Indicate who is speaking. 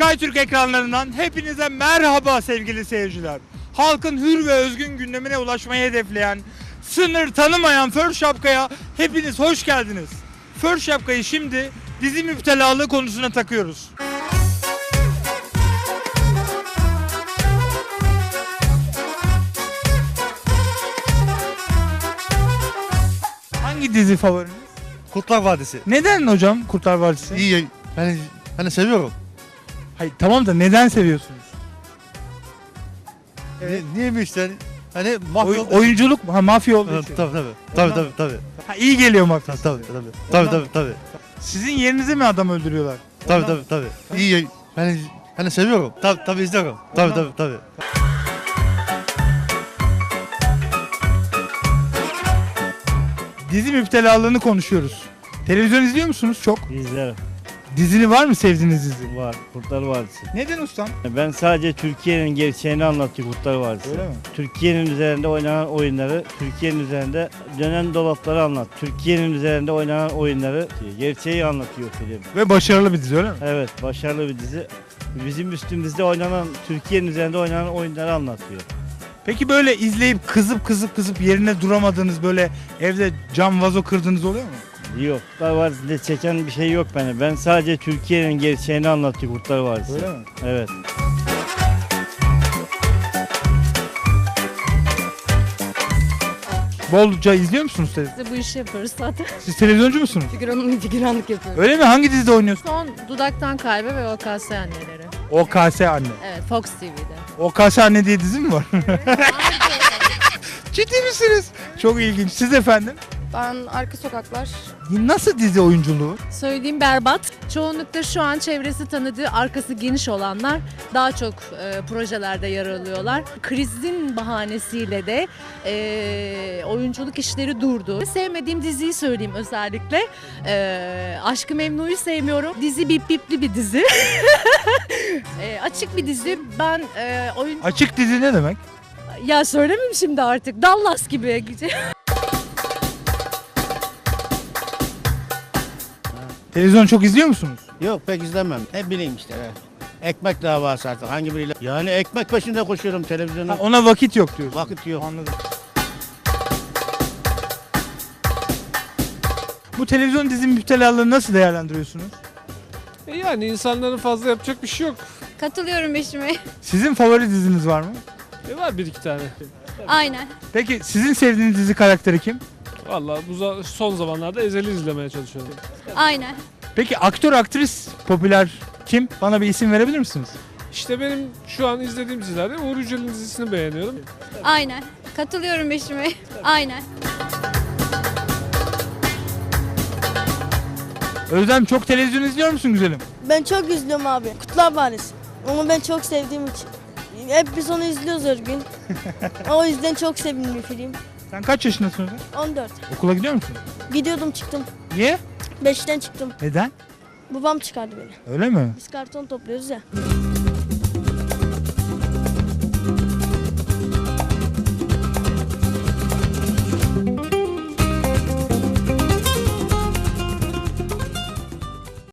Speaker 1: SkyTürk ekranlarından hepinize merhaba sevgili seyirciler. Halkın hür ve özgün gündemine ulaşmayı hedefleyen, sınır tanımayan För Şapka'ya hepiniz hoş geldiniz. För Şapka'yı şimdi dizi müptelalığı konusuna takıyoruz. Hangi dizi favoriniz?
Speaker 2: Kurtlar Vadisi.
Speaker 1: Neden hocam Kurtlar Vadisi?
Speaker 2: İyi. Hani seviyorum.
Speaker 1: Hayır tamam da neden seviyorsunuz? Evet.
Speaker 2: Niye mi işte? Hani mafya
Speaker 1: Oyunculuk mu? Ha, mafya olduğu
Speaker 2: Ha,
Speaker 1: için.
Speaker 2: tabii.
Speaker 1: Ha, iyi geliyor mafya.
Speaker 2: Tabii.
Speaker 1: Sizin yerinize mi adam öldürüyorlar?
Speaker 2: Tabii. İyi. Hani seviyorum. Tabii izliyorum. Tabii.
Speaker 1: Dizi müptelalığını konuşuyoruz. Televizyon izliyor musunuz çok?
Speaker 3: İzlerim.
Speaker 1: Dizini var mı sevdiğiniz dizi?
Speaker 3: Var. Kurtlar Vadisi.
Speaker 1: Neden ustam?
Speaker 3: Ben sadece Türkiye'nin gerçeğini anlatıyor Kurtlar Vadisi.
Speaker 1: Öyle mi?
Speaker 3: Türkiye'nin üzerinde oynanan oyunları, Türkiye'nin üzerinde dönen dolapları anlat. Türkiye'nin üzerinde oynanan oyunları, gerçeği anlatıyor film.
Speaker 1: Ve başarılı bir dizi öyle mi?
Speaker 3: Evet, başarılı bir dizi. Bizim üstümüzde oynanan, Türkiye'nin üzerinde oynanan oyunları anlatıyor.
Speaker 1: Peki böyle izleyip kızıp yerine duramadığınız, böyle evde cam vazo kırdığınız oluyor mu?
Speaker 3: Yok, Kurtlar Vadisi'nde çeken bir şey yok beni. Ben sadece Türkiye'nin gerçeğini anlatıyor Kurtlar Vadisi.
Speaker 1: Öyle mi?
Speaker 3: Evet.
Speaker 1: Bolca izliyor musunuz televizyon?
Speaker 4: Biz de bu işi yapıyoruz zaten.
Speaker 1: Siz televizyoncu musunuz?
Speaker 4: Figüranlık yapıyoruz.
Speaker 1: Öyle mi? Hangi dizide oynuyorsunuz?
Speaker 4: Son Dudaktan Kalbe ve OKS Anneleri.
Speaker 1: OKS Anne.
Speaker 4: Evet, Fox TV'de.
Speaker 1: OKS Anne diye dizi mi var? Ciddi misiniz? Çok ilginç. Siz efendim?
Speaker 5: Ben Arka Sokaklar.
Speaker 1: Nasıl dizi oyunculuğu?
Speaker 4: Söylediğim berbat. Çoğunlukla şu an çevresi tanıdığı, arkası geniş olanlar daha çok projelerde yer alıyorlar. Krizin bahanesiyle de oyunculuk işleri durdu. Sevmediğim diziyi söyleyeyim özellikle. Aşk-ı Memnu'yu sevmiyorum. Dizi bip bipli bir dizi. Açık bir dizi. Ben oyun...
Speaker 1: Açık dizi ne demek?
Speaker 4: Ya söylemeyeyim şimdi artık. Dallas gibi.
Speaker 1: Televizyon çok izliyor musunuz?
Speaker 6: Yok pek izlemem. Ne bileyim işte. Ekmek davası artık hangi biriyle. Yani ekmek peşinde koşuyorum televizyona.
Speaker 1: Ha, ona vakit yok diyorsun.
Speaker 6: Vakit yok.
Speaker 1: Anladım. Bu televizyon dizi müptelalığını nasıl değerlendiriyorsunuz?
Speaker 7: Yani insanların fazla yapacak bir şey yok.
Speaker 5: Katılıyorum eşime.
Speaker 1: Sizin favori diziniz var mı?
Speaker 7: Var bir iki tane.
Speaker 5: Aynen.
Speaker 1: Peki sizin sevdiğiniz dizi karakteri kim?
Speaker 7: Vallahi son zamanlarda Ezel'i izlemeye çalışıyorum.
Speaker 5: Aynen.
Speaker 1: Peki aktör aktris popüler kim? Bana bir isim verebilir misiniz?
Speaker 7: İşte benim şu an izlediğim dizilerde Uğur Yücel'in dizisini beğeniyorum.
Speaker 5: Aynen. Katılıyorum eşime. Aynen.
Speaker 1: Özlem çok televizyon izliyor musun güzelim?
Speaker 8: Ben çok üzülüyorum abi. Kurtlar Vadisi. Onu ben çok sevdiğim için. Hep biz onu izliyoruz her gün. O yüzden çok sevdiğim bir film.
Speaker 1: Sen kaç yaşındasın Özlem?
Speaker 8: 14.
Speaker 1: Okula gidiyor musun?
Speaker 8: Gidiyordum çıktım.
Speaker 1: Niye?
Speaker 8: 5'ten çıktım.
Speaker 1: Neden?
Speaker 8: Babam çıkardı beni.
Speaker 1: Öyle mi?
Speaker 8: Biz karton topluyoruz ya.